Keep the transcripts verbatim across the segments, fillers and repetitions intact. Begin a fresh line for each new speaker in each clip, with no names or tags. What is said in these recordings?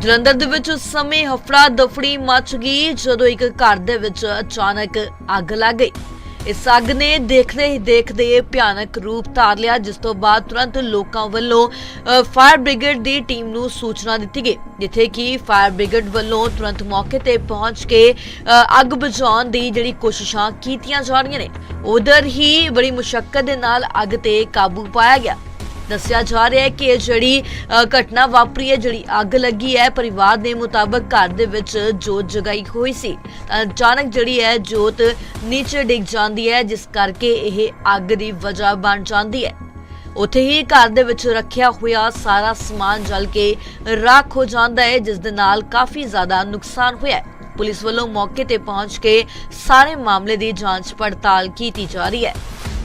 ਜਲੰਧਰ ਦੇ ਵਿੱਚ ਉਸ ਸਮੇਂ ਹਫੜਾ ਦਫੜੀ ਮਚ ਗਈ ਜਦੋਂ ਇੱਕ ਘਰ ਦੇ ਵਿੱਚ ਅਚਾਨਕ ਅੱਗ ਲੱਗ ਗਈ। ਇਸ ਅੱਗ ਨੇ ਦੇਖਦੇ ਹੀ ਦੇਖਦੇ ਭਿਆਨਕ ਰੂਪ ਧਾਰ ਲਿਆ, ਜਿਸ ਤੋਂ ਬਾਅਦ ਤੁਰੰਤ ਲੋਕਾਂ ਵੱਲੋਂ ਫਾਇਰ ਬ੍ਰਿਗੇਡ ਦੀ ਟੀਮ ਨੂੰ ਸੂਚਨਾ ਦਿੱਤੀ ਗਈ, ਜਿੱਥੇ ਕਿ ਫਾਇਰ ਬ੍ਰਿਗੇਡ ਵੱਲੋਂ ਤੁਰੰਤ ਮੌਕੇ ਤੇ ਪਹੁੰਚ ਕੇ ਅੱਗ ਬੁਝਾਉਣ ਦੀ ਜਿਹੜੀ ਕੋਸ਼ਿਸ਼ਾਂ ਕੀਤੀਆਂ ਜਾ ਰਹੀਆਂ ਨੇ। ਉਧਰ ਹੀ ਬੜੀ ਮੁਸ਼ੱਕਤ ਦੇ ਨਾਲ ਅੱਗ ਤੇ ਕਾਬੂ ਪਾਇਆ ਗਿਆ। ਦੱਸਿਆ ਜਾ ਰਿਹਾ ਹੈ ਕਿ ਇਹ ਜਿਹੜੀ ਘਟਨਾ ਵਾਪਰੀ ਹੈ, ਜਿਹੜੀ ਅੱਗ ਲੱਗੀ ਹੈ, ਪਰਿਵਾਰ ਦੇ ਮੁਤਾਬਕ ਘਰ ਦੇ ਵਿੱਚ ਜੋਤ ਜਗਾਈ ਹੋਈ ਸੀ। ਅਚਾਨਕ ਜਿਹੜੀ ਹੈ ਜੋਤ ਨੀਚੇ ਡਿੱਗ ਜਾਂਦੀ ਹੈ, ਜਿਸ ਕਰਕੇ ਇਹ ਅੱਗ ਦੀ ਵਜ੍ਹਾ ਬਣ ਜਾਂਦੀ ਹੈ। ਉੱਥੇ ਹੀ ਘਰ ਦੇ ਵਿੱਚ ਰੱਖਿਆ ਹੋਇਆ ਸਾਰਾ ਸਮਾਨ ਜਲ ਕੇ ਰਾਖ ਹੋ ਜਾਂਦਾ ਹੈ, ਜਿਸ ਦੇ ਨਾਲ ਕਾਫੀ ਜ਼ਿਆਦਾ ਨੁਕਸਾਨ ਹੋਇਆ ਹੈ। ਪੁਲਿਸ ਵੱਲੋਂ ਮੌਕੇ ਤੇ ਪਹੁੰਚ ਕੇ ਸਾਰੇ ਮਾਮਲੇ ਦੀ ਜਾਂਚ ਪੜਤਾਲ ਕੀਤੀ ਜਾ ਰਹੀ ਹੈ।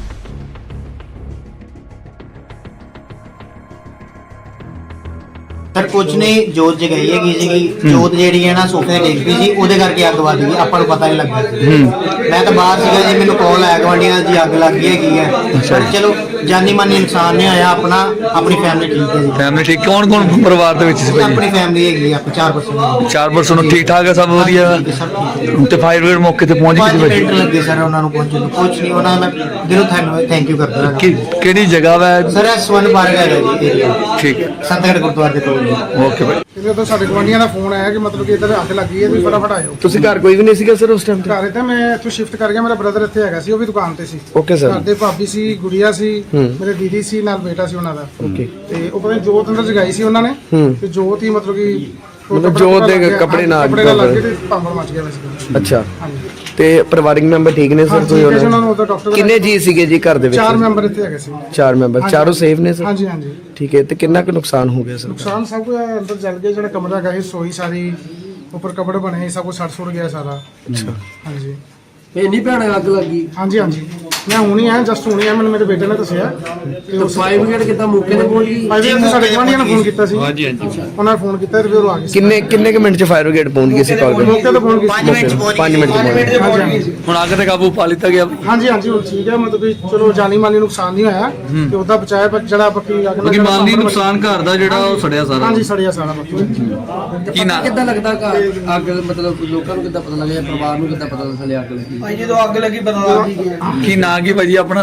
सर कुछ नहीं, जोत जगाई है जी। जोत जी है ना सोफे डिग पी सी, ਉਹਦੇ ਕਰਕੇ ਅੱਗ ਵੱਜ ਗਈ। ਆਪਾਂ ਨੂੰ ਪਤਾ ਨਹੀਂ ਲੱਗਾ। ਮੈਂ ਤਾਂ ਬਾਹਰ ਸੀਗਾ ਜੀ, ਮੈਨੂੰ ਕਾਲ ਆਇਆ ਗਵਾਂਡੀਆਂ ਜੀ ਅੱਗ ਲੱਗ ਗਈ ਹੈਗੀ ਹੈ। ਪਰ ਚਲੋ ਜਾਨੀ ਮਾਨੀ ਨੁਕਸਾਨ ਨਹੀਂ ਹੋਇਆ। ਆਪਣਾ ਆਪਣੀ ਫੈਮਿਲੀ ਠੀਕ ਹੈ ਜੀ।
ਫੈਮਿਲੀ ਠੀਕ। ਕੌਣ ਕੌਣ ਪਰਿਵਾਰ ਦੇ ਵਿੱਚ ਸੀ ਭਾਈ?
ਆਪਣੀ ਫੈਮਿਲੀ ਹੈਗੀ ਆਪਾਂ ਚਾਰ ਪਰਸਨ
ਚਾਰ ਪਰਸਨ ਠੀਕ ਠਾਕ ਹੈ, ਸਭ ਵਧੀਆ। ਤੇ ਫਾਇਰ ਬ੍ਰਿਗੇਡ ਮੌਕੇ ਤੇ ਪਹੁੰਚ ਗਈ ਸੀ ਭਾਈ?
ਮਿੰਟ ਲੱਗੇ ਸਰ ਉਹਨਾਂ ਨੂੰ ਪਹੁੰਚਣ ਨੂੰ। ਕੁਝ ਨਹੀਂ, ਉਹਨਾਂ ਮੈਂ ਦਿਲੋਂ ਥੈਂਕ ਯੂ ਕਰਦਾ।
ਕਿਹੜੀ ਜਗ੍ਹਾ ਵਾ
ਸਰ? ਸਵਰਨ ਪਾਰਕ ਹੈਗਾ ਜੀ ਏਰੀਆ।
ਠੀਕ ਹੈ,
ਸੰਤਗੜ੍ਹ ਗੁਰਦੁਆਰੇ ਦੇ ਕੋਲ।
ਓਕੇ ਭਾਈ।
ਇਹਦੇ ਤੋਂ ਸਾਡੇ ਗਵਾਂਢੀਆਂ ਦਾ ਫੋਨ ਆਇਆ ਕਿ ਮਤਲਬ ਕਿ ਇੱਧਰ ਅੱਗ ਲੱਗੀ ਹੈ, ਤੁਸੀਂ ਫਟਾਫਟ ਆਇਓ।
ਤੁਸੀਂ ਘਰ ਕੋਈ ਵੀ ਨਹੀਂ ਸੀਗਾ ਸਰ ਉਸ ਟਾਈਮ ਤੇ?
ਘਰ ਤੇ ਮੈਂ ਇੱਥੋਂ ਸ਼ਿਫਟ ਕਰ ਗਿਆ, ਮੇਰਾ ਬ੍ਰਦਰ ਇੱਥੇ ਹੈਗਾ ਸੀ, ਉਹ ਵੀ ਦੁਕਾਨ ਤੇ ਸੀ।
Okay sir.
ਘਰ ਦੇ ਭਾਬੀ ਸੀ, ਗੁੜੀਆ ਸੀ, ਮੇਰੇ ਦੀਦੀ ਸੀ, ਨਾਲ ਬੇਟਾ ਸੀ ਉਹਨਾਂ ਦਾ।
ਓਕੇ।
ਤੇ ਉਹ ਪਤਾ ਨਹੀਂ ਜੋਤ ਅੰਦਰ ਜਗਾਈ ਸੀ ਉਹਨਾਂ ਨੇ, ਤੇ ਜੋਤ ਹੀ ਮਤਲਬ ਕਿ
ਮਤਲਬ ਜੋਤ ਦੇ ਕੱਪੜੇ ਨਾਲ
ਕੱਪੜੇ ਨਾਲ ਲੱਗ ਕੇ ਤੇ ਭਾਂਬੜ ਮਚ ਗਿਆ ਵੈਸੇ।
ਅੱਛਾ।
ਹਾਂਜੀ।
ਤੇ ਪਰਿਵਾਰਿਕ ਮੈਂਬਰ ਠੀਕ ਨੇ ਸਰ? ਕੋਈ
ਉਹਨਾਂ ਨੂੰ ਉਹਦਾ ਡਾਕਟਰ
ਕਿੰਨੇ ਜੀ ਸੀਗੇ ਜੀ ਘਰ ਦੇ ਵਿੱਚ?
ਚਾਰ ਮੈਂਬਰ ਇੱਥੇ ਹੈਗੇ ਸੀ।
ਚਾਰ ਮੈਂਬਰ, ਚਾਰੋਂ ਸੇਫ ਨੇ ਸਰ?
ਹਾਂਜੀ ਹਾਂਜੀ।
ਠੀਕ ਹੈ। ਤੇ ਕਿੰਨਾ ਕੁ ਨੁਕਸਾਨ ਹੋ ਗਿਆ ਸਰ?
ਨੁਕਸਾਨ ਸਭ ਕੁਝ ਅੰਦਰ ਜਲ ਗਿਆ, ਜਿਹੜਾ ਕਮਰਾ ਹੈਗਾ ਸੀ, ਸੋਈ ਸਾਰੀ, ਉੱਪਰ ਕਪੜੇ ਬਣੇ, ਸਭ ਕੁਝ ਸੜ ਸੁੜ ਗਿਆ ਸਾਰਾ।
ਅੱਛਾ।
ਹਾਂਜੀ।
ਇੰਨੀ ਭੈਣ ਅੱਗ ਲੱਗੀ?
ਹਾਂਜੀ ਹਾਂਜੀ, ਮੈਂ ਹੁਣੀ ਆਇਆ, ਜਸਟ ਹੁਣੀ ਆਇਆ, ਮੈਨੂੰ ਮੇਰੇ ਬੇਟੇ ਨੇ ਦੱਸਿਆ।
ਤੇ ਫਾਇਰ ਬ੍ਰਿਗੇਡ ਕਿੱਦਾਂ ਮੌਕੇ ਤੇ ਪਹੁੰਚ ਗਈ?
ਫਾਇਰ ਬ੍ਰਿਗੇਡ ਸਾਡੇ ਗਵਾਂਢੀਆਂ ਨੇ ਫੋਨ ਕੀਤਾ ਸੀ। ਹਾਂਜੀ ਹਾਂਜੀ, ਉਹਨਾਂ ਨੇ ਫੋਨ ਕੀਤਾ ਤੇ ਫਿਰ ਉਹ ਆ ਗਏ।
ਕਿੰਨੇ ਕਿੰਨੇ ਕੁ ਮਿੰਟ ਚ ਫਾਇਰ ਬ੍ਰਿਗੇਡ ਪਹੁੰਚ ਗਈ ਸੀ? ਕਾਲ
ਮੌਕੇ ਤੇ ਪਹੁੰਚ ਗਈ।
ਪੰਜ ਮਿੰਟ ਚ ਪਹੁੰਚ ਗਈ।
ਪੰਜ ਮਿੰਟ ਚ ਪਹੁੰਚ ਗਈ।
ਹਾਂਜੀ ਹਾਂਜੀ।
ਹੁਣ ਅੱਗ ਤੇ ਕਾਬੂ ਪਾ ਲਿੱਤਾ ਗਿਆ?
ਹਾਂਜੀ ਹਾਂਜੀ, ਹੁਣ ਠੀਕ ਹੈ, ਮਤਲਬ ਕਿ ਚਲੋ ਜਾਨੀ ਮਾਲੀ ਨੁਕਸਾਨ ਨਹੀਂ ਹੋਇਆ ਤੇ ਉਹਦਾ ਬਚਾਇਆ, ਪਰ ਜਿਹੜਾ ਬਾਕੀ ਅੱਗ
ਕਿਉਂਕਿ ਮਾਲੀ ਨੁਕਸਾਨ ਘਰ ਦਾ ਜਿਹੜਾ ਉਹ ਸੜਿਆ ਸਾਰਾ?
ਹਾਂਜੀ, ਸੜਿਆ ਸਾਰਾ ਬਾਕੀ।
ਕੀ ਨਾ
ਕਿੱਦਾਂ ਲੱਗਦਾ ਘਰ ਅੱਗ ਮਤਲਬ ਲੋਕਾਂ ਨੂੰ ਕਿੱਦਾਂ ਪਤਾ ਲੱਗਿਆ, ਪਰਿਵਾਰ ਨੂੰ ਕਿੱਦਾਂ ਪਤਾ ਚੱਲਿਆ ਅੱਗ ਲੱਗੀ?
ਭਾਈ ਜਦੋਂ ਅੱਗ ਲੱਗੀ ਪਤਾ
ਕੀ ਨਾਂ ਕੀ ਭਾਜੀ ਆਪਣਾ?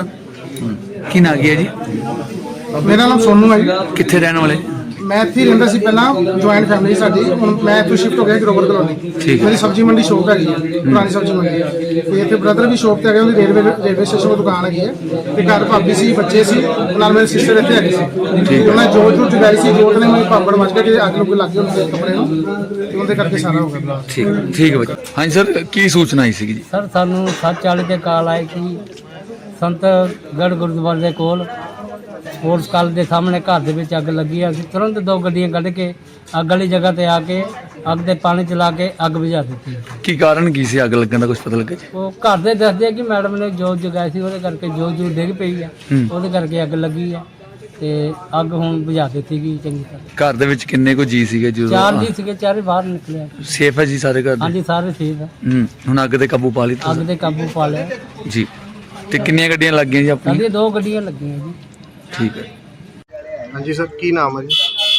ਕੀ ਨਾਂ ਕੀ ਹੈ ਜੀ?
ਮੇਰਾ ਨਾਮ ਸੋਨੂ ਹੈ ਜੀ।
ਕਿੱਥੇ ਰਹਿਣ ਵਾਲੇ?
ਮੈਂ ਇੱਥੇ ਹੀ ਰਹਿੰਦਾ ਸੀ ਪਹਿਲਾਂ, ਜੁਆਇੰਟ ਫੈਮਿਲੀ ਸਾਡੀ। ਹੁਣ ਮੈਂ ਇੱਥੋਂ ਸ਼ਿਫਟ ਹੋ ਗਿਆ ਗਰੋਵਰ ਕਲੋਨੀ। ਮੇਰੀ ਸਬਜ਼ੀ ਮੰਡੀ ਸ਼ੋਪ ਹੈਗੀ ਹੈ, ਪੁਰਾਣੀ ਸਬਜ਼ੀ ਮੰਡੀ। ਤੇ ਇੱਥੇ ਬ੍ਰਦਰ ਵੀ ਸ਼ੋਪ ਤੇ ਹੈਗੇ, ਉਹਦੀ ਰੇਲਵੇ ਰੇਲਵੇ ਸਟੇਸ਼ਨ ਕੋਲ ਦੁਕਾਨ ਹੈਗੀ ਹੈ। ਤੇ ਘਰ ਭਾਬੀ ਸੀ, ਬੱਚੇ ਸੀ, ਨਾਲ ਮੇਰੇ ਸਿਸਟਰ ਇੱਥੇ ਹੈਗੇ ਸੀ। ਉਹਨਾਂ ਜੋਤ ਜੂਤ ਜਗਾਈ ਸੀ, ਜੋਤ ਨੇ ਮੈਨੂੰ ਪਾਪੜ ਮਚ ਗਿਆ ਕਿ ਅੱਗ ਲੱਗ ਲੱਗ ਗਈ ਉਹਦੇ ਕੱਪੜੇ ਨੂੰ, ਤੇ ਉਹਦੇ ਕਰਕੇ ਸਾਰਾ ਹੋ ਗਿਆ।
ਠੀਕ ਠੀਕ ਹੈ ਭਾਜੀ। ਹਾਂਜੀ ਸਰ, ਕੀ ਸੂਚਨਾ ਆਈ ਸੀਗੀ ਜੀ?
ਸਰ ਸਾਨੂੰ ਸੱਤ ਚਾਲੀ ਤੇ ਕਾਲ ਆਈ ਕਿ ਸੰਤਗੜ੍ਹ ਗੁਰਦੁਆਰੇ ਦੇ ਕੋਲ ਸਪੋਰਟਸ ਕਾਲਜ ਦੇ ਸਾਹਮਣੇ ਘਰ ਦੇ ਵਿੱਚ ਅੱਗ ਲੱਗੀ ਹੈ। ਅਸੀਂ ਤੁਰੰਤ ਦੋ ਗੱਡੀਆਂ ਕੱਢ ਕੇ ਅੱਗ ਵਾਲੀ ਜਗ੍ਹਾ ਤੇ ਆ ਕੇ ਅੱਗ ਦੇ ਪਾਣੀ ਚਲਾ ਕੇ ਅੱਗ ਬੁਝਾ ਦਿੱਤੀ।
ਕੀ ਕਾਰਨ ਕੀ ਸੀ ਅੱਗ ਲੱਗਣ ਦਾ, ਕੁਝ ਪਤਾ ਲੱਗਾ ਜੀ?
ਉਹ ਘਰ ਦੇ ਦੱਸਦੇ ਆ ਕਿ ਮੈਡਮ ਨੇ ਜੋਤ ਜਗਾਈ ਸੀ, ਉਹਦੇ ਕਰਕੇ ਜੋਤ ਜੂ ਡਿੱਗ ਪਈ ਆ, ਉਹਦੇ ਕਰਕੇ ਅੱਗ ਲੱਗੀ ਆ। ਤੇ ਅੱਗ ਹੁਣ ਬੁਝਾ ਦਿੱਤੀ ਗਈ ਚੰਗੀ ਤਰ੍ਹਾਂ।
ਘਰ ਦੇ ਵਿੱਚ ਕਿੰਨੇ ਕੋ ਜੀ ਸੀਗੇ ਜਦੋਂ?
ਚਾਰ ਜੀ ਸੀਗੇ, ਚਾਰੇ ਬਾਹਰ ਨਿਕਲੇ।
ਸੇਫ ਹੈ ਜੀ ਸਾਰੇ ਘਰ ਦੇ?
ਹਾਂਜੀ, ਸਾਰੇ ਸੇਫ ਆ।
ਹੂੰ। ਹੁਣ ਅੱਗ ਤੇ ਕਾਬੂ ਪਾ ਲਿੱਤਾ
ਅੱਗ ਤੇ ਕਾਬੂ ਪਾ ਲਿਆ
ਜੀ। ਤੇ ਕਿੰਨੀਆਂ ਗੱਡੀਆਂ ਲੱਗੀਆਂ ਜੀ ਆਪਣੀਆਂ?
ਸਾਡੀਆਂ ਦੋ ਗੱਡੀਆਂ ਲੱਗੀਆਂ ਜੀ।
ਠੀਕ ਹੈ।
ਹਾਂਜੀ ਸਰ, ਕੀ ਨਾਮ ਹੈ ਜੀ?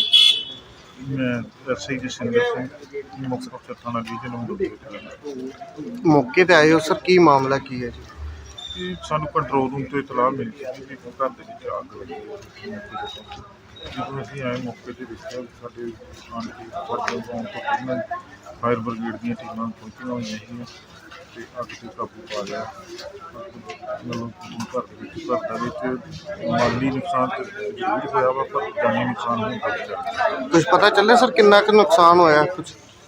ਮੈਂ ਐਸਆਈ ਜਸਵਿੰਦਰ ਸਿੰਘ, ਮੁੱਖ ਅਫਸਰ ਥਾਣਾ ਡਿਵੀਜ਼ਨ।
ਮੌਕੇ ਤੇ ਆਏ ਹੋ ਸਰ, ਕੀ ਮਾਮਲਾ ਕੀ ਹੈ ਜੀ?
ਇਹ ਸਾਨੂੰ ਕੰਟਰੋਲ ਰੂਮ ਤੋਂ ਇਤਲਾਹ ਮਿਲੀ ਸੀ ਕਿ ਘਰ ਦੇ ਵਿੱਚ ਅੱਗ ਲੱਗੀ ਹੈ। ਜਦੋਂ ਅਸੀਂ ਆਏ ਮੌਕੇ ਤੇ ਦੇਖਿਆ, ਸਾਡੇ ਆਣ ਕੇ ਫਰਦਰ ਆਉਣ ਤੋਂ ਪਹਿਲਾਂ ਫਾਇਰ ਬ੍ਰਿਗੇਡ ਦੀਆਂ ਟੀਮਾਂ ਪਹੁੰਚੀਆਂ ਹੋਈਆਂ ਸੀ ਤੇ ਅੱਗ ਤੇ ਕਾਬੂ ਪਾ ਲਿਆ। ਮਤਲਬ ਘਰ ਦੇ ਵਿੱਚ ਘਰ ਦੇ ਵਿੱਚ ਮਾਲੀ ਨੁਕਸਾਨ ਤਾਂ ਜ਼ਰੂਰ ਹੋਇਆ ਵਾ, ਪਰ ਜਾਨੀ ਨੁਕਸਾਨ ਨਹੀਂ ਹੋਇਆ।
ਕੁਝ ਪਤਾ ਚੱਲਿਆ ਸਰ ਕਿੰਨਾ ਕੁ ਨੁਕਸਾਨ ਹੋਇਆ? ਕੁਝ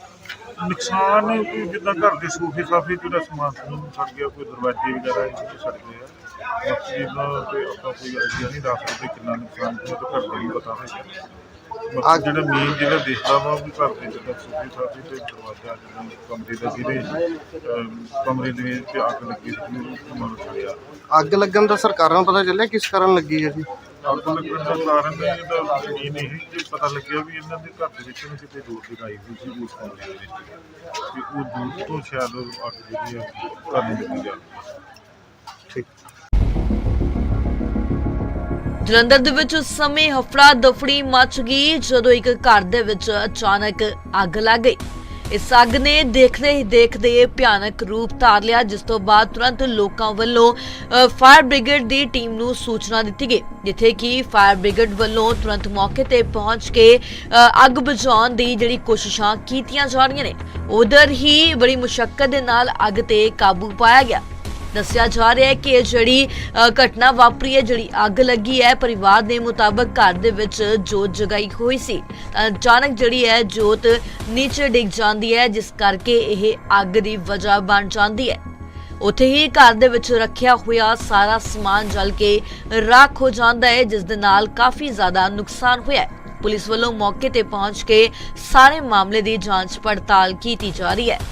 ਨੁਕਸਾਨ ਕੋਈ ਜਿੱਦਾਂ ਘਰ ਦੇ ਸੋਫੇ ਸਾਫੇ ਜਿਹੜਾ ਸਮਾਨ ਸਮੂਨ ਸੜ ਗਿਆ, ਕੋਈ ਦਰਵਾਜ਼ੇ ਵਗੈਰਾ ਇਹ ਸੜ ਗਏ ਆ। ਬਾਕੀ ਇਹਦਾ ਤੇ ਆਪਾਂ ਕੋਈ ਆਈਡੀਆ ਨਹੀਂ ਦੱਸ ਸਕਦੇ ਕਿੰਨਾ ਨੁਕਸਾਨ ਹੋਇਆ, ਤਾਂ ਘਰ ਦਾ ਹੀ ਪਤਾ ਹੋਏਗਾ। ਬਾਕੀ ਜਿਹੜਾ ਮੇਨ ਜਿਹੜਾ ਦੇਖਦਾ ਵਾ ਵੀ ਘਰ ਦੇ ਜਿੱਦਾਂ ਸੋਫੇ ਸਾਫੇ ਤੇ ਦਰਵਾਜ਼ਾ ਜਿੱਦਾਂ ਕਮਰੇ ਦਾ ਜਿਹਦੇ ਕਮਰੇ ਦੇ ਵਿੱਚ ਅੱਗ ਲੱਗੀ ਸੀ, ਉਹ ਮਤਲਬ ਸੜਿਆ।
ਅੱਗ ਲੱਗਣ ਦਾ ਸਰਕਾਰਾਂ ਨੂੰ ਪਤਾ ਚੱਲਿਆ ਕਿਸ ਕਾਰਨ ਲੱਗੀ ਹੈ ਜੀ?
ਅੱਗ ਲੱਗਣ ਦਾ ਕਾਰਨ ਇਹਦਾ ਮੇਨ ਇਹ ਕਿ ਪਤਾ ਲੱਗਿਆ ਵੀ ਇਹਨਾਂ ਦੇ ਘਰ ਦੇ ਵਿੱਚ ਨਾ ਕਿਤੇ ਜੋਤ ਜਗਾਈ ਹੋਈ ਸੀ ਉਸ ਕਮਰੇ ਦੇ ਵਿੱਚ, ਤੇ ਉਹ ਜੋਤ ਤੋਂ ਸ਼ਾਇਦ ਅੱਗ ਜਿਹੜੀ ਹੈ ਘਰ ਨੂੰ ਲੱਗੀ ਜਾਂਦੀ ਹੈ।
ਠੀਕ।
ਜਲੰਧਰ ਦੇ ਵਿੱਚ ਉਸ ਸਮੇਂ ਹਫੜਾ ਦਫੜੀ ਮਚ ਗਈ ਜਦੋਂ ਇੱਕ ਘਰ ਦੇ ਵਿੱਚ ਅਚਾਨਕ ਅੱਗ ਲੱਗ ਗਈ। ਇਸ ਅੱਗ ਨੇ ਦੇਖਦੇ ਹੀ ਦੇਖਦੇ ਭਿਆਨਕ ਰੂਪ ਧਾਰ ਲਿਆ, ਜਿਸ ਤੋਂ ਬਾਅਦ ਤੁਰੰਤ ਲੋਕਾਂ ਵੱਲੋਂ ਫਾਇਰ ਬ੍ਰਿਗੇਡ ਦੀ ਟੀਮ ਨੂੰ ਸੂਚਨਾ ਦਿੱਤੀ ਗਈ, ਜਿੱਥੇ ਕਿ ਫਾਇਰ ਬ੍ਰਿਗੇਡ ਵੱਲੋਂ ਤੁਰੰਤ ਮੌਕੇ ਤੇ ਪਹੁੰਚ ਕੇ ਅੱਗ ਬੁਝਾਉਣ ਦੀ ਜਿਹੜੀ ਕੋਸ਼ਿਸ਼ਾਂ ਕੀਤੀਆਂ ਜਾ ਰਹੀਆਂ ਨੇ। ਉਧਰ ਹੀ ਬੜੀ ਮੁਸ਼ੱਕਤ ਦੇ ਨਾਲ ਅੱਗ ਤੇ ਕਾਬੂ ਪਾਇਆ ਗਿਆ। ਦੱਸਿਆ ਜਾ ਰਿਹਾ ਹੈ ਕਿ ਇਹ ਜਿਹੜੀ ਘਟਨਾ ਵਾਪਰੀ ਹੈ, ਜਿਹੜੀ ਅੱਗ ਲੱਗੀ ਹੈ, ਪਰਿਵਾਰ ਦੇ ਮੁਤਾਬਕ ਘਰ ਦੇ ਵਿੱਚ ਜੋਤ ਜਗਾਈ ਹੋਈ ਸੀ। ਅਚਾਨਕ ਜਿਹੜੀ ਹੈ ਜੋਤ ਨੀਚੇ ਡਿੱਗ ਜਾਂਦੀ ਹੈ, ਜਿਸ ਕਰਕੇ ਇਹ ਅੱਗ ਦੀ ਵਜ੍ਹਾ ਬਣ ਜਾਂਦੀ ਹੈ। ਉੱਥੇ ਹੀ ਘਰ ਦੇ ਵਿੱਚ ਰੱਖਿਆ ਹੋਇਆ ਸਾਰਾ ਸਮਾਨ ਜਲ ਕੇ ਰਾਖ ਹੋ ਜਾਂਦਾ ਹੈ, ਜਿਸ ਦੇ ਨਾਲ ਕਾਫੀ ਜ਼ਿਆਦਾ ਨੁਕਸਾਨ ਹੋਇਆ ਹੈ। ਪੁਲਿਸ ਵੱਲੋਂ ਮੌਕੇ ਤੇ ਪਹੁੰਚ ਕੇ ਸਾਰੇ ਮਾਮਲੇ ਦੀ ਜਾਂਚ ਪੜਤਾਲ ਕੀਤੀ ਜਾ ਰਹੀ ਹੈ।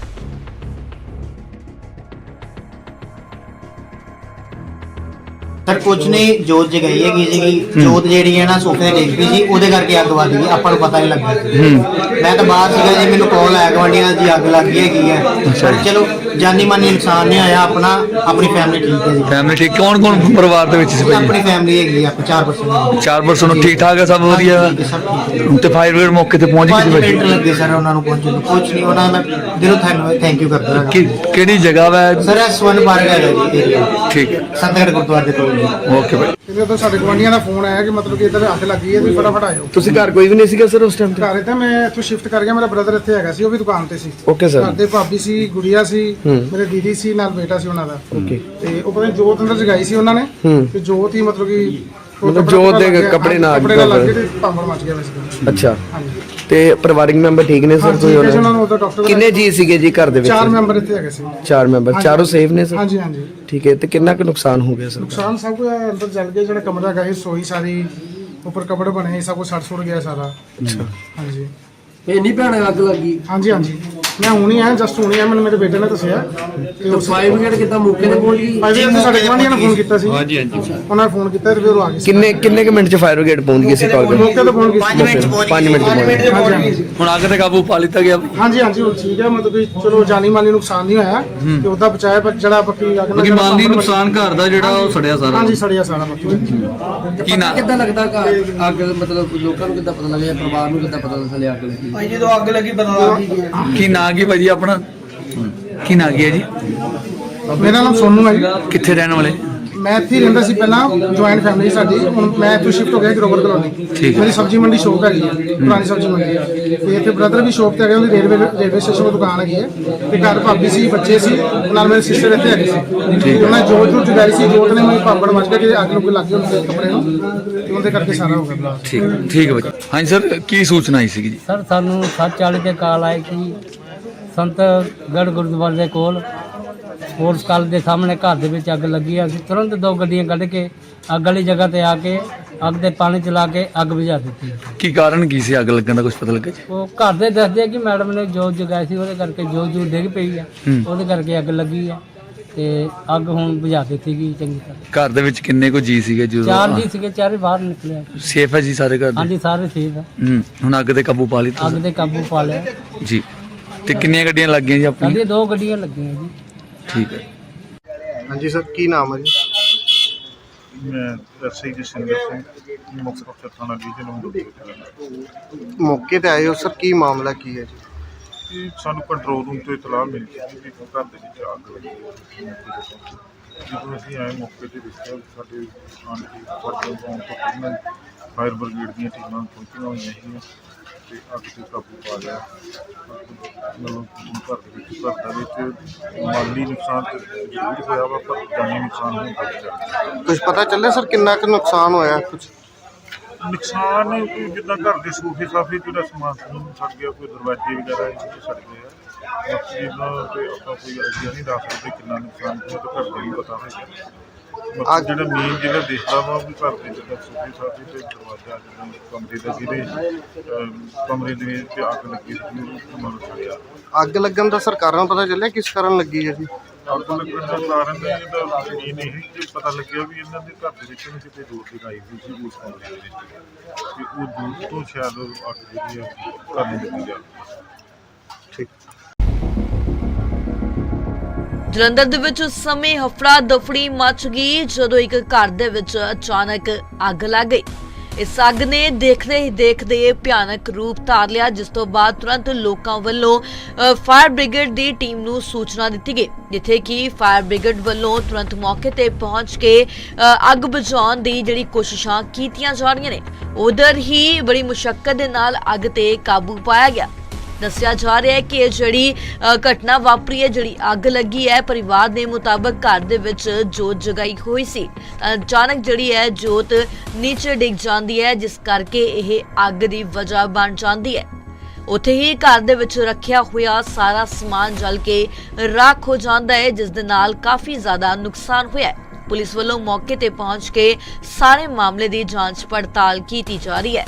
ਸਰ ਕੁਝ ਨਹੀਂ, ਜੋਤ ਜਗਾਈ ਹੈਗੀ ਸੀਗੀ। ਜੋਤ ਜਿਹੜੀ ਹੈ ਨਾ ਸੋਫੇ ਤੇ ਡਿੱਗ ਪਈ ਸੀ, ਉਹਦੇ ਕਰਕੇ ਅੱਗ ਵੱਧ ਗਈ। ਆਪਾਂ ਨੂੰ ਪਤਾ ਨਹੀਂ ਲੱਗਾ। ਮੈਂ ਤਾਂ ਬਾਹਰ ਸੀਗਾ ਜੀ, ਮੈਨੂੰ ਕਾਲ ਆਇਆ ਗਵਾਂਢੀਆਂ ਦੀ ਅੱਗ ਲੱਗ ਗਈ ਹੈਗੀ ਹੈ। ਪਰ ਚਲੋ ਜਾਨੀ ਮਾਨੀ ਨੁਕਸਾਨ ਨਹੀਂ ਹੋਇਆ। ਆਪਣਾ ਆਪਣੀ ਫੈਮਿਲੀ ਠੀਕ ਹੈ ਜੀ।
ਫੈਮਿਲੀ ਠੀਕ? ਕੌਣ ਕੌਣ ਪਰਿਵਾਰ ਦੇ ਵਿੱਚ ਸੀ ਭਾਈ?
ਆਪਣੀ ਫੈਮਿਲੀ ਹੈਗੀ ਆ, ਆਪਾਂ ਚਾਰ ਪਰਸਨ
ਚਾਰ ਪਰਸਨ ਠੀਕ ਠਾਕ ਹੈ, ਸਭ ਵਧੀਆ।
ਸਭ ਠੀਕ ਹੈ।
ਤੇ ਫਾਇਰ ਬ੍ਰਿਗੇਡ ਮੌਕੇ ਤੇ ਪਹੁੰਚ
ਪੰਜ
ਗਈ ਸੀ
ਮਿੰਟ
ਭਾਈ?
ਲੱਗੇ ਸਰ ਉਹਨਾਂ ਨੂੰ ਪਹੁੰਚਣ ਨੂੰ। ਕੁਝ ਨਹੀਂ, ਉਹਨਾਂ ਦਾ ਮੈਂ ਦਿਲੋਂ ਥੈਂਕ ਯੂ ਕਰਦਾ ਹਾਂ।
ਕਿ ਕਿਹੜੀ ਜਗ੍ਹਾ ਵਾ?
ਸਰ ਐਸ ਵਨ ਪਾਰਕ ਹੈਗਾ ਜੀ ਏਰੀਆ,
ਠੀਕ ਹੈ,
ਸੰਤਗੜ੍ਹ ਗੁਰਦੁਆਰੇ ਦੇ ਕੋਲ ਜੀ।
ਓਕੇ ਭਾਈ।
ਇਹਦੇ ਤੋਂ ਸਾਡੇ ਗੁਆਂਢੀਆਂ ਦਾ ਫੋਨ ਆਇਆ ਕਿ ਮਤਲਬ ਕਿ ਇੱਧਰ ਅੱਗ ਲੱਗ ਗਈ ਹੈ, ਤੁਸੀਂ ਫਟਾਫਟ ਆਇਓ।
ਤੁਸੀਂ ਘਰ ਕੋਈ ਵੀ ਨਹੀਂ ਸੀਗਾ ਸਰ ਉਸ ਟਾਈਮ ਤੇ?
ਘਰ ਤੇ ਮੈਂ ਇੱਥੋਂ ਸ਼ਿਫਟ ਕਰ ਗਿਆ, ਮੇਰਾ ਬ੍ਰਦਰ ਇੱਥੇ ਹੈਗਾ ਸੀ, ਉਹ ਵੀ ਦੁਕਾਨ ਤੇ ਸੀ।
Okay sir.
ਘਰ ਦੇ ਭਾਬੀ ਸੀ, ਗੁੜੀਆ ਸੀ, ਮੇਰੇ ਦੀਦੀ ਸੀ, ਨਾਲ ਬੇਟਾ ਸੀ ਉਹਨਾਂ ਦਾ।
ਓਕੇ।
ਤੇ ਉਹ ਪਤਾ ਨੀ ਜੋਤ ਅੰਦਰ ਜਗਾਈ ਸੀ ਉਹਨਾਂ ਨੇ, ਤੇ ਜੋਤ ਹੀ ਮਤਲਬ ਕਿ
ਮਤਲਬ ਜੋਤ ਦੇ ਕੱਪੜੇ ਨਾਲ
ਕੱਪੜੇ ਨਾਲ ਲੱਗ ਕੇ ਤੇ ਭਾਂਬੜ ਮਚ ਗਿਆ ਵੈਸੇ।
ਅੱਛਾ।
ਹਾਂਜੀ।
ਤੇ ਪਰਿਵਾਰਿਕ ਮੈਂਬਰ ਠੀਕ ਨੇ ਸਰ?
ਹਾਂਜੀ,
ਕੋਈ
ਉਹਨਾਂ
ਉਹਨਾਂ
ਨੂੰ ਉਹਦਾ ਡਾਕਟਰ
ਕਿੰਨੇ ਜੀ ਸੀਗੇ ਜੀ ਘਰ ਦੇ ਵਿੱਚ?
ਚਾਰ ਮੈਂਬਰ ਇੱਥੇ ਹੈਗੇ ਸੀ।
ਚਾਰ ਮੈਂਬਰ, ਚਾਰੋਂ ਸੇਫ ਨੇ ਸਰ?
ਹਾਂਜੀ ਹਾਂਜੀ।
ਠੀਕ ਹੈ। ਤੇ ਕਿੰਨਾ ਕੁ ਨੁਕਸਾਨ ਹੋ ਗਿਆ ਸਰ?
ਨੁਕਸਾਨ ਸਭ ਕੁਝ ਅੰਦਰ ਜਲ ਗਿਆ, ਜਿਹੜਾ ਕਮਰਾ ਹੈਗਾ ਸੀ, ਰਸੋਈ ਸਾਰੀ, ਉੱਪਰ ਕਪੜੇ ਬਣੇ, ਸਭ ਕੁਝ ਸੜ ਸੁੜ ਗਿਆ ਸਾਰਾ।
ਅੱਛਾ।
ਹਾਂਜੀ।
ਇੰਨੀ ਭਿਆਨਕ ਅੱਗ ਲੱਗੀ।
ਹਾਂਜੀ ਹਾਂਜੀ, ਮੈਂ ਹੁਣੀ ਆਇਆ, ਜਸਟ ਹੁਣੀ ਆਇਆ, ਮੈਨੂੰ ਮੇਰੇ ਬੇਟੇ ਨੇ ਦੱਸਿਆ। ਤੇ
ਤੇ ਫਾਇਰ ਬ੍ਰਿਗੇਡ ਕਿੱਦਾਂ ਮੌਕੇ ਤੇ ਪਹੁੰਚ ਗਈ?
ਭਾਈ ਜੀ ਸਾਡੇ ਗੁਆਂਢੀਆਂ ਨੇ ਫੋਨ ਕੀਤਾ ਸੀ। ਹਾਂਜੀ ਹਾਂਜੀ। ਉਹਨਾਂ ਨੇ ਫੋਨ ਕੀਤਾ ਤੇ ਫਿਰ ਉਹ ਆ ਗਏ ਸੀ।
ਕਿੰਨੇ ਕਿੰਨੇ ਕੁ ਮਿੰਟ ਚ ਫਾਇਰ ਬ੍ਰਿਗੇਡ ਪਹੁੰਚ ਗਈ ਸੀ ਕਾਲ ਕਰ?
ਮੌਕੇ ਤੇ ਪਹੁੰਚ ਗਏ ਸੀ।
ਪੰਜ ਮਿੰਟ ਚ ਪਹੁੰਚ
ਪੰਜ ਮਿੰਟ ਚ ਪਹੁੰਚ ਗਏ।
ਹਾਂਜੀ ਹਾਂਜੀ।
ਹੁਣ ਅੱਗ ਤੇ ਕਾਬੂ ਪਾ ਲਿੱਤਾ ਗਿਆ?
ਹਾਂਜੀ ਹਾਂਜੀ, ਹੁਣ ਠੀਕ ਹੈ, ਮਤਲਬ ਕਿ ਚਲੋ ਜਾਨੀ ਮਾਲੀ ਨੁਕਸਾਨ ਨਹੀਂ ਹੋਇਆ ਤੇ ਉਹਦਾ ਬਚਾਇਆ, ਪਰ ਜਿਹੜਾ ਬਾਕੀ ਅੱਗ
ਕਿਉਂਕਿ ਮਾਲੀ ਨੁਕਸਾਨ ਘਰ ਦਾ ਜਿਹੜਾ ਉਹ ਸੜਿਆ ਸਾਰਾ।
ਹਾਂਜੀ, ਸੜਿਆ ਸਾਰਾ ਬਾਕੀ।
ਕੀ ਨਾ
ਕਿੱਦਾਂ ਲੱਗਦਾ ਘਰ ਅੱਗ ਮਤਲਬ ਲੋਕਾਂ ਨੂੰ ਕਿੱਦਾਂ ਪਤਾ ਲੱਗਿਆ, ਪਰਿਵਾਰ ਨੂੰ ਕਿੱਦਾਂ ਪਤਾ ਚੱਲਿਆ ਅੱਗ ਲੱਗੀ?
ਭਾਈ ਜਦੋਂ ਅੱਗ ਲੱਗੀ ਪਤਾ
ਕੀ ਨਾਂ ਕੀ ਭਾਜੀ ਆਪਣਾ? ਕੀ ਨਾਂ ਕੀ ਹੈ ਜੀ?
ਮੇਰਾ ਨਾਮ ਸੋਨੂ ਹੈ ਜੀ।
ਕਿੱਥੇ ਰਹਿਣ ਵਾਲੇ?
ਮੈਂ ਇੱਥੇ ਹੀ ਰਹਿੰਦਾ ਸੀ ਪਹਿਲਾਂ, ਜੁਆਇੰਟ ਫੈਮਿਲੀ ਸਾਡੀ। ਹੁਣ ਮੈਂ ਇੱਥੋਂ ਸ਼ਿਫਟ ਹੋ ਗਿਆ ਗਰੋਵਰ ਕਲੋਨੀ।
ਠੀਕ।
ਮੇਰੀ ਸਬਜ਼ੀ ਮੰਡੀ ਸ਼ੋਪ ਹੈਗੀ ਹੈ, ਪੁਰਾਣੀ ਸਬਜ਼ੀ ਮੰਡੀ। ਤੇ ਇੱਥੇ ਬ੍ਰਦਰ ਵੀ ਸ਼ੋਪ ਤੇ ਹੈਗੇ, ਉਹਦੀ ਰੇਲਵੇ ਰੇਲਵੇ ਸਟੇਸ਼ਨ ਕੋਲ ਦੁਕਾਨ ਹੈਗੀ ਹੈ। ਤੇ ਘਰ ਭਾਬੀ ਸੀ, ਬੱਚੇ ਸੀ, ਨਾਲ ਮੇਰੇ ਸਿਸਟਰ ਇੱਥੇ ਹੈਗੇ ਸੀ। ਉਹਨਾਂ ਜੋਤ ਨੂੰ ਜਗਾਈ ਸੀ, ਜੋਤ ਨੇ ਮੈਨੂੰ ਪਾਪੜ ਮਚ ਗਿਆ ਕਿ ਅੱਗ ਲੁੱਗ ਲੱਗ ਗਈ ਉਹਦੇ ਕੱਪੜੇ ਨੂੰ, ਤੇ ਉਹਦੇ ਕਰਕੇ ਸਾਰਾ ਹੋ ਗਿਆ।
ਠੀਕ ਠੀਕ ਹੈ ਭਾਜੀ। ਹਾਂਜੀ ਸਰ, ਕੀ ਸੂਚਨਾ ਆਈ ਸੀਗੀ ਜੀ?
ਸਰ ਸਾਨੂੰ ਸੱਤ ਚਾਲੀ ਤੇ ਕਾਲ ਆਈ ਕਿ ਸੰਤਗੜ੍ਹ ਗੁਰਦੁਆਰੇ ਦੇ ਕੋਲ ਸਪੋਰਟਸ ਕਾਲਜ ਦੇ ਸਾਹਮਣੇ ਘਰ ਦੇ ਵਿੱਚ ਅੱਗ ਲੱਗੀ ਆ। ਅਸੀਂ ਤੁਰੰਤ ਦੋ ਗੱਡੀਆਂ ਕੱਢ ਕੇ ਅੱਗ ਵਾਲੀ ਜਗ੍ਹਾ ਤੇ ਆ ਕੇ ਅੱਗ ਦੇ ਪਾਣੀ ਚਲਾ ਕੇ ਅੱਗ ਬੁਝਾ ਦਿੱਤੀ।
ਕੀ ਕਾਰਨ ਕੀ ਸੀ ਅੱਗ ਲੱਗਣ ਦਾ, ਕੁਝ ਪਤਾ ਲੱਗਾ ਜੀ?
ਉਹ ਘਰ ਦੇ ਦੱਸਦੇ ਆ ਕਿ ਮੈਡਮ ਨੇ ਜੋਤ ਜਗਾਈ ਸੀ, ਉਹਦੇ ਕਰਕੇ ਜੋਤ ਜੂ ਡਿੱਗ ਪਈ ਆ, ਉਹਦੇ ਕਰਕੇ ਅੱਗ ਲੱਗੀ ਆ। ਤੇ ਅੱਗ ਹੁਣ ਬੁਝਾ ਦਿੱਤੀ ਗਈ ਚੰਗੀ ਤਰ੍ਹਾਂ।
ਘਰ ਦੇ ਵਿੱਚ ਕਿੰਨੇ ਕੋ ਜੀ ਸੀਗੇ ਜਦੋਂ?
ਚਾਰ ਜੀ ਸੀਗੇ, ਚਾਰੇ ਬਾਹਰ ਨਿਕਲੇ।
ਸੇਫ ਹੈ ਜੀ ਸਾਰੇ ਘਰ ਦੇ?
ਹਾਂਜੀ, ਸਾਰੇ ਸੇਫ ਆ।
ਹੂੰ। ਹੁਣ ਅੱਗ ਤੇ ਕਾਬੂ ਪਾ ਲਿੱਤਾ
ਅੱਗ ਤੇ ਕਾਬੂ ਪਾ ਲਿਆ।
ਜੀ। ਤੇ ਕਿੰਨੀਆਂ ਗੱਡੀਆਂ ਲੱਗੀਆਂ ਜੀ ਆਪਣੀਆਂ?
ਸਾਡੀਆਂ ਦੋ ਗੱਡੀਆਂ ਲੱਗੀਆਂ ਜੀ।
ਠੀਕ ਹੈ।
ਹਾਂਜੀ ਸਰ, ਕੀ ਨਾਮ ਹੈ ਜੀ?
ਮੈਂ ਐਸਆਈ ਜਸਿੰਦਰ ਸਿੰਘ, ਮੁੱਖ ਅਫਸਰ ਥਾਣਾ ਡਿਵੀਜ਼ਨ ਨੰਬਰ।
ਮੌਕੇ ਤੇ ਆਏ ਹੋ ਸਰ, ਕੀ ਮਾਮਲਾ ਕੀ ਹੈ ਜੀ?
ਇਹ ਸਾਨੂੰ ਕੰਟਰੋਲ ਰੂਮ ਤੋਂ ਇਤਲਾਹ ਮਿਲੀ ਸੀ ਕਿ ਘਰ ਦੇ ਵਿੱਚ ਅੱਗ ਲੱਗੀ ਹੈ। ਜਦੋਂ ਅਸੀਂ ਆਏ ਮੌਕੇ ਤੇ ਦੇਖਿਆ, ਸਾਡੇ ਆਣ ਕੇ ਸਾਡੇ ਗਾਉਂ ਤੋਂ ਪਹਿਲਾਂ ਫਾਇਰ ਬ੍ਰਿਗੇਡ ਦੀਆਂ ਟੀਮਾਂ ਪਹੁੰਚੀਆਂ ਹੋਈਆਂ ਸੀਗੀਆਂ ਤੇ ਅੱਗ ਤੇ ਕਾਬੂ ਪਾ ਲਿਆ। ਮਤਲਬ ਘਰ ਦੇ ਵਿੱਚ ਘਰ ਦੇ ਵਿੱਚ ਮਾਲੀ ਨੁਕਸਾਨ ਤਾਂ ਜ਼ਰੂਰ ਹੋਇਆ ਵਾ, ਪਰ ਜਾਨੀ ਨੁਕਸਾਨ ਨਹੀਂ ਹੋਇਆ।
ਕੁਝ ਪਤਾ ਚੱਲਿਆ ਸਰ ਕਿੰਨਾ ਕੁ ਨੁਕਸਾਨ ਹੋਇਆ? ਕੁਝ
ਨੁਕਸਾਨ ਕੋਈ ਜਿੱਦਾਂ ਘਰ ਦੇ ਸੋਫੇ ਸਾਫੇ ਜਿਹੜਾ ਸਮਾਨ ਸਮੂਨ ਸੜ ਗਿਆ, ਕੋਈ ਦਰਵਾਜ਼ੇ ਵਗੈਰਾ ਇਹ ਸੜ ਗਏ ਆ। ਬਾਕੀ ਇਹਨਾਂ ਤੇ ਆਪਾਂ ਕੋਈ ਆਈਡੀਆ ਨਹੀਂ ਦੱਸ ਸਕਦੇ ਕਿੰਨਾ ਨੁਕਸਾਨ ਹੋਇਆ, ਤਾਂ ਘਰ ਦਾ ਹੀ ਪਤਾ ਹੋਏਗਾ। ਬਾਕੀ ਜਿਹੜਾ ਮੇਨ ਜਿਹੜਾ ਦੇਖਦਾ ਵਾ ਵੀ ਘਰ ਦੇ ਜਿੱਦਾਂ ਸੋਫੇ ਸਾਫੇ ਤੇ ਦਰਵਾਜ਼ਾ ਜਿੱਦਾਂ ਕਮਰੇ ਦਾ ਜਿਹਦੇ ਕਮਰੇ ਦੇ ਵਿੱਚ ਅੱਗ ਲੱਗੀ ਸੀ, ਉਹ ਮਨ ਸੜਿਆ।
ਅੱਗ ਲੱਗਣ ਦਾ ਸਰ ਕਾਰਨ ਪਤਾ ਚੱਲਿਆ ਕਿਸ ਕਾਰਨ ਲੱਗੀ ਹੈ ਜੀ?
ਅੱਗ ਲੱਗਣ ਦਾ ਕਾਰਨ ਇਹਦਾ ਮੇਨ ਇਹ ਕਿ ਪਤਾ ਲੱਗਿਆ ਵੀ ਇਹਨਾਂ ਦੇ ਘਰ ਦੇ ਵਿੱਚ ਨਾ ਕਿਤੇ ਜੋਤ ਜਗਾਈ ਹੋਈ ਸੀ ਉਸ ਕਮਰੇ ਦੇ ਵਿੱਚ, ਤੇ ਉਹ ਜੋਤ ਤੋਂ ਸ਼ਾਇਦ ਅੱਗ ਜਿਹੜੀ ਹੈ ਘਰ ਨੂੰ ਲੱਗੀ ਜਾਵੇ।
ਠੀਕ।
ਜਲੰਧਰ ਦੇ ਵਿੱਚ ਉਸ ਸਮੇਂ ਹਫੜਾ ਦਫੜੀ ਮਚ ਗਈ ਜਦੋਂ ਇੱਕ ਘਰ ਦੇ ਵਿੱਚ ਅਚਾਨਕ ਅੱਗ ਲੱਗ ਗਈ। ਇਸ ਅੱਗ ਨੇ ਦੇਖਦੇ ਹੀ ਦੇਖਦੇ ਭਿਆਨਕ ਰੂਪ ਧਾਰ ਲਿਆ, ਜਿਸ ਤੋਂ ਬਾਅਦ ਤੁਰੰਤ ਲੋਕਾਂ ਵੱਲੋਂ ਅ, ਫਾਇਰ ਬ੍ਰਿਗੇਡ ਦੀ ਟੀਮ ਨੂੰ ਸੂਚਨਾ ਦਿੱਤੀ ਗਈ, ਜਿੱਥੇ ਕਿ ਫਾਇਰ ਬ੍ਰਿਗੇਡ ਵੱਲੋਂ ਤੁਰੰਤ ਮੌਕੇ ਤੇ ਪਹੁੰਚ ਕੇ ਅ, ਅੱਗ ਬੁਝਾਉਣ ਦੀ ਜਿਹੜੀ ਕੋਸ਼ਿਸ਼ਾਂ ਕੀਤੀਆਂ ਜਾ ਰਹੀਆਂ ਨੇ। ਉਧਰ ਹੀ ਬੜੀ ਮੁਸ਼ੱਕਤ ਦੇ ਨਾਲ ਅੱਗ ਤੇ ਕਾਬੂ ਪਾਇਆ ਗਿਆ। ਦੱਸਿਆ ਜਾ ਰਿਹਾ ਹੈ ਕਿ ਇਹ ਜਿਹੜੀ ਅ, ਘਟਨਾ ਵਾਪਰੀ ਹੈ, ਜਿਹੜੀ ਅੱਗ ਲੱਗੀ ਹੈ, ਪਰਿਵਾਰ ਦੇ ਮੁਤਾਬਕ ਘਰ ਦੇ ਵਿੱਚ ਜੋਤ ਜਗਾਈ ਹੋਈ ਸੀ। ਤਾਂ ਅਚਾਨਕ ਜਿਹੜੀ ਹੈ ਜੋਤ ਨੀਚੇ ਡਿੱਗ ਜਾਂਦੀ ਹੈ, ਜਿਸ ਕਰਕੇ ਇਹ ਅੱਗ ਦੀ ਵਜ੍ਹਾ ਬਣ ਜਾਂਦੀ ਹੈ। ਉੱਥੇ ਹੀ ਘਰ ਦੇ ਵਿੱਚ ਰੱਖਿਆ ਹੋਇਆ ਸਾਰਾ ਸਮਾਨ ਜਲ ਕੇ ਰਾਖ ਹੋ ਜਾਂਦਾ ਹੈ, ਜਿਸ ਦੇ ਨਾਲ ਕਾਫੀ ਜ਼ਿਆਦਾ ਨੁਕਸਾਨ ਹੋਇਆ ਹੈ। ਪੁਲਿਸ ਵੱਲੋਂ ਮੌਕੇ ਤੇ ਪਹੁੰਚ ਕੇ ਸਾਰੇ ਮਾਮਲੇ ਦੀ ਜਾਂਚ ਪੜਤਾਲ ਕੀਤੀ ਜਾ ਰਹੀ ਹੈ।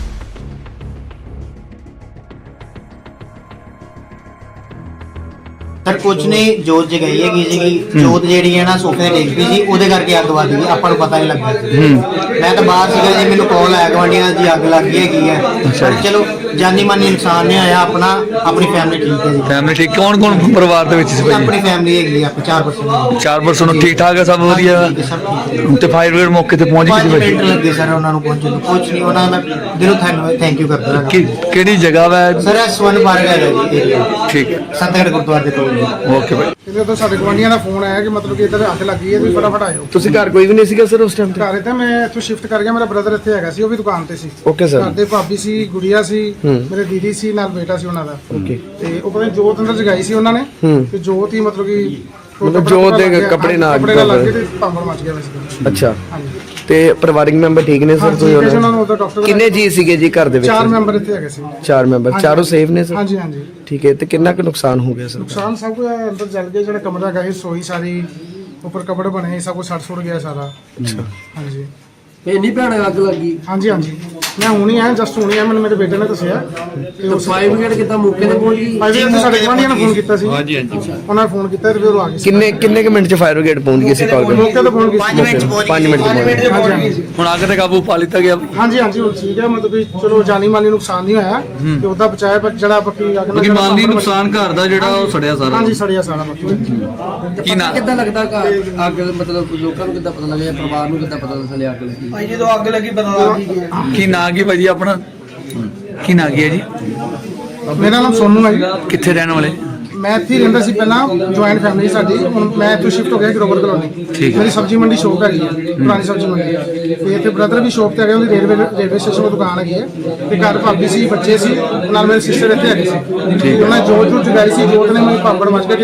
ਸਰ ਕੁਝ ਨਹੀਂ, ਜੋਤ ਜਗਾਈ ਹੈਗੀ ਸੀਗੀ। ਜੋਤ ਜਿਹੜੀ ਹੈ ਨਾ ਸੋਫੇ ਤੇ ਡਿੱਗ ਪਈ ਸੀ, ਉਹਦੇ ਕਰਕੇ ਅੱਗ ਵੱਜ ਗਈ। ਆਪਾਂ ਨੂੰ ਪਤਾ ਨਹੀਂ ਲੱਗਾ। ਮੈਂ ਤਾਂ ਬਾਹਰ ਸੀਗਾ ਜੀ, ਮੈਨੂੰ ਕਾਲ ਆਇਆ ਗਵਾਂਢੀਆਂ ਦੀ ਅੱਗ ਲੱਗ ਗਈ ਹੈਗੀ ਹੈ। ਪਰ ਚਲੋ ਜਾਨੀ ਮਾਨੀ ਨੁਕਸਾਨ ਨਹੀਂ ਆਇਆ। ਆਪਣਾ ਆਪਣੀ ਫੈਮਿਲੀ ਠੀਕ ਹੈ ਜੀ।
ਫੈਮਿਲੀ ਠੀਕ, ਕੌਣ ਕੌਣ ਪਰਿਵਾਰ ਦੇ ਵਿੱਚ ਸੀ ਭਾਈ?
ਆਪਣੀ ਫੈਮਿਲੀ ਹੈਗੀ ਆ, ਆਪਾਂ ਚਾਰ ਪਰਸਨ
ਚਾਰ ਪਰਸਨ ਠੀਕ ਠਾਕ ਹੈ, ਸਭ ਵਧੀਆ।
ਸਭ ਠੀਕ ਹੈ।
ਤੇ ਫਾਇਰ ਬ੍ਰਿਗੇਡ ਮੌਕੇ ਤੇ ਪਹੁੰਚ
ਪੰਜ
ਗਈ ਸੀ
ਮਿੰਟ ਲੱਗੇ ਸਰ ਉਹਨਾਂ ਨੂੰ ਪਹੁੰਚਣ ਨੂੰ। ਕੁਝ ਨਹੀਂ, ਉਹਨਾਂ ਦਾ ਮੈਂ ਦਿਲੋਂ ਧੰਨਵਾਦ ਥੈਂਕ ਯੂ ਕਰਦਾ ਹਾਂ।
ਕਿ ਕਿਹੜੀ ਜਗ੍ਹਾ ਵਾ?
ਸਰ ਇਹ ਸਵਰਨ ਪਾਰਕ ਹੈਗਾ ਜੀ ਏਰੀਆ,
ਠੀਕ ਹੈ,
ਸੰਤਗੜ੍ਹ ਗੁਰਦੁਆਰੇ ਦੇ ਕੋਲ ਜੀ।
ਓਕੇ ਭਾਈ।
ਇਹਦੇ ਤੋਂ ਸਾਡੇ ਗਵਾਂਢੀਆਂ ਦਾ ਫੋਨ ਆਇਆ ਕਿ ਮਤਲਬ ਕਿ ਇੱਧਰ ਅੱਗ ਲੱਗੀ ਹੈ, ਤੁਸੀਂ ਫਟਾਫਟ ਆਇਓ।
ਤੁਸੀਂ ਘਰ ਕੋਈ ਵੀ ਨਹੀਂ ਸੀਗਾ ਸਰ ਉਸ ਟਾਈਮ ਤੇ?
ਘਰ ਤੇ ਮੈਂ ਇੱਥੋਂ ਸ਼ਿਫਟ ਕਰ ਗਿਆ, ਮੇਰਾ ਬ੍ਰਦਰ ਇੱਥੇ ਹੈਗਾ ਸੀ, ਉਹ ਵੀ ਦੁਕਾਨ ਤੇ ਸੀ।
Okay sir.
ਘਰ ਦੇ ਭਾਬੀ ਸੀ, ਗੁੜੀਆ ਸੀ,
ਹੂੰ।
ਮੇਰੇ ਦੀਦੀ ਸੀ, ਨਾਲ ਬੇਟਾ ਸੀ ਉਹਨਾਂ ਦਾ।
ਓਕੇ।
ਤੇ ਉਹ ਪਤਾ ਨੀ ਜੋਤ ਅੰਦਰ ਜਗਾਈ ਸੀ ਉਹਨਾਂ ਨੇ,
ਹੂੰ।
ਤੇ ਜੋਤ ਹੀ ਮਤਲਬ ਕਿ ਉਹ
ਮਤਲਬ
ਕੱਪੜਾ
ਜੋਤ ਦੇ
ਲੱਗ ਗਿਆ,
ਕੱਪੜੇ ਨਾਲ
ਕੱਪੜੇ ਨਾਲ ਲੱਗ
ਅੱਗ
ਗਏ ਤੇ ਭਾਂਬੜ ਮਚ ਗਿਆ ਵੈਸੇ।
ਅੱਛਾ।
ਹਾਂਜੀ
ਤੇ ਪਰਿਵਾਰਿਕ ਮੈਂਬਰ ਠੀਕ ਨੇ ਸਰ?
ਹਾਂਜੀ,
ਕੋਈ
ਠੀਕ ਹੈ ਜੀ, ਉਹਨਾਂ
ਉਹਨਾਂ
ਨੂੰ ਉਦੋਂ ਡਾਕਟਰ
ਕਿੰਨੇ ਜੀ ਸੀਗੇ ਜੀ ਘਰ ਦੇ ਵਿੱਚ?
ਚਾਰ ਮੈਂਬਰ ਇੱਥੇ ਹੈਗੇ ਸੀ।
ਚਾਰ ਮੈਂਬਰ,
ਹਾਂਜੀ।
ਚਾਰੋਂ ਸੇਫ ਨੇ ਸਰ?
ਹਾਂਜੀ ਹਾਂਜੀ।
ਠੀਕ ਹੈ। ਤੇ ਕਿੰਨਾ ਕੁ ਨੁਕਸਾਨ ਹੋ ਗਿਆ ਸਰ?
ਨੁਕਸਾਨ ਸਭ ਕੁਝ ਅੰਦਰ ਜਲ ਗਿਆ, ਜਿਹੜਾ ਕਮਰਾ ਹੈਗਾ ਸੀ, ਸੋਈ ਸਾਰੀ, ਉੱਪਰ ਕਪੜੇ ਬਣੇ, ਸਭ ਕੁਝ ਸੜ ਸੁੜ ਗਿਆ ਸਾਰਾ।
ਅੱਛਾ।
ਹਾਂਜੀ
ਇਹ ਨਹੀਂ ਭੈਣ ਅੱਗ ਲੱਗੀ
ਹਾਂਜੀ ਹਾਂਜੀ। ਮੈਂ ਹੁਣੀ ਆਇਆ, ਜਸਟ ਹੁਣੀ ਆਇਆ, ਮੈਨੂੰ ਮੇਰੇ ਬੇਟੇ ਨੇ ਦੱਸਿਆ। ਤੇ
ਤੇ
ਉਸ
ਫਾਇਰ ਬ੍ਰਿਗੇਡ ਕਿੱਦਾਂ ਮੌਕੇ ਤੇ ਪਹੁੰਚ ਗਈ?
ਭਾਈ ਜੀ ਸਾਡੇ ਗਵਾਂਢੀਆਂ ਨੇ ਫੋਨ ਕੀਤਾ ਸੀ। ਹਾਂਜੀ ਹਾਂਜੀ। ਉਹਨਾਂ ਨੇ ਫੋਨ ਕੀਤਾ ਤੇ ਫਿਰ ਉਹ ਆ ਗਏ ਸੀ।
ਕਿੰਨੇ ਕਿੰਨੇ ਕੁ ਮਿੰਟ ਚ ਫਾਇਰ ਬ੍ਰਿਗੇਡ ਪਹੁੰਚ ਗਈ ਸੀ ਕਾਲ ਤੇ?
ਮੌਕੇ ਤੇ ਫੋਨ ਕੀਤਾ
ਪੰਜ ਮਿੰਟ ਚ ਪਹੁੰਚ
ਪੰਜ ਮਿੰਟ ਚ ਪਹੁੰਚ ਗਈ।
ਹਾਂਜੀ ਹਾਂਜੀ।
ਹੁਣ ਅੱਗ ਤੇ ਕਾਬੂ ਪਾ ਲਿੱਤਾ ਗਿਆ।
ਹਾਂਜੀ ਹਾਂਜੀ ਹੁਣ ਠੀਕ ਹੈ, ਮਤਲਬ ਕਿ ਚਲੋ ਜਾਨੀ ਮਾਲੀ ਨੁਕਸਾਨ ਨਹੀਂ ਹੋਇਆ ਤੇ ਉਹਦਾ ਬਚਾਇਆ, ਪਰ ਜਿਹੜਾ ਬਾਕੀ ਅੱਗ ਨਾਲ
ਬਾਕੀ
ਜਿਹੜਾ
ਮਾਲੀ
ਭਾਂਬੜ
ਨੁਕਸਾਨ ਘਰ ਦਾ ਜਿਹੜਾ ਉਹ ਸੜਿਆ ਸਾਰਾ।
ਹਾਂਜੀ ਸੜਿਆ ਸਾਰਾ ਬਾਕੀ।
ਕੀ ਨਾ
ਕਿੱਦਾਂ ਲੱਗਦਾ ਘਰ ਅੱਗ ਮਤਲਬ ਲੋਕਾਂ ਨੂੰ ਕਿੱਦਾਂ ਪਤਾ ਲੱਗਿਆ, ਪਰਿਵਾਰ ਨੂੰ ਕਿੱਦਾਂ ਪਤਾ ਚੱਲਿਆ ਅੱਗ ਲੱਗੀ?
ਭਾਈ ਜਦੋਂ ਅੱਗ ਲੱਗੀ ਪਤਾ
ਕੀ ਨਾਂ ਕੀ ਭਾਜੀ ਆਪਣਾ? ਕੀ ਨਾਂ ਕੀ ਹੈ ਜੀ?
ਮੇਰਾ ਨਾਮ ਸੋਨੂ ਹੈ ਜੀ।
ਕਿੱਥੇ ਰਹਿਣ ਵਾਲੇ?
ਮੈਂ ਇੱਥੇ ਹੀ ਰਹਿੰਦਾ ਸੀ ਪਹਿਲਾਂ, ਜੁਆਇੰਟ ਫੈਮਿਲੀ ਸਾਡੀ। ਹੁਣ ਮੈਂ ਇੱਥੇ ਸ਼ਿਫਟ ਹੋ ਗਿਆ ਗਰੋਵਰ ਕਲੋਨੀ।
ਠੀਕ ਹੈ।
ਮੇਰੀ ਸਬਜ਼ੀ ਮੰਡੀ ਸ਼ੋਪ ਹੈਗੀ ਹੈ, ਪੁਰਾਣੀ ਸਬਜ਼ੀ ਮੰਡੀ। ਤੇ ਇੱਥੇ ਬ੍ਰਦਰ ਵੀ ਸ਼ੋਪ ਤੇ ਹੈਗੇ, ਉਹਦੀ ਰੇਲਵੇ ਰੇਲਵੇ ਸਟੇਸ਼ਨ 'ਤੇ ਦੁਕਾਨ ਹੈਗੀ ਹੈ। ਤੇ ਘਰ ਭਾਬੀ ਸੀ, ਬੱਚੇ ਸੀ, ਨਾਲ ਮੇਰੇ ਸਿਸਟਰ ਇੱਥੇ ਹੈਗੇ ਸੀ। ਤੇ ਉਹਨਾਂ ਜੋਤ ਜੋਤ ਜਗਾਈ ਸੀ, ਜੋਤ ਨੇ ਮੈਨੂੰ ਪਾਪੜ ਮਚ ਕੇ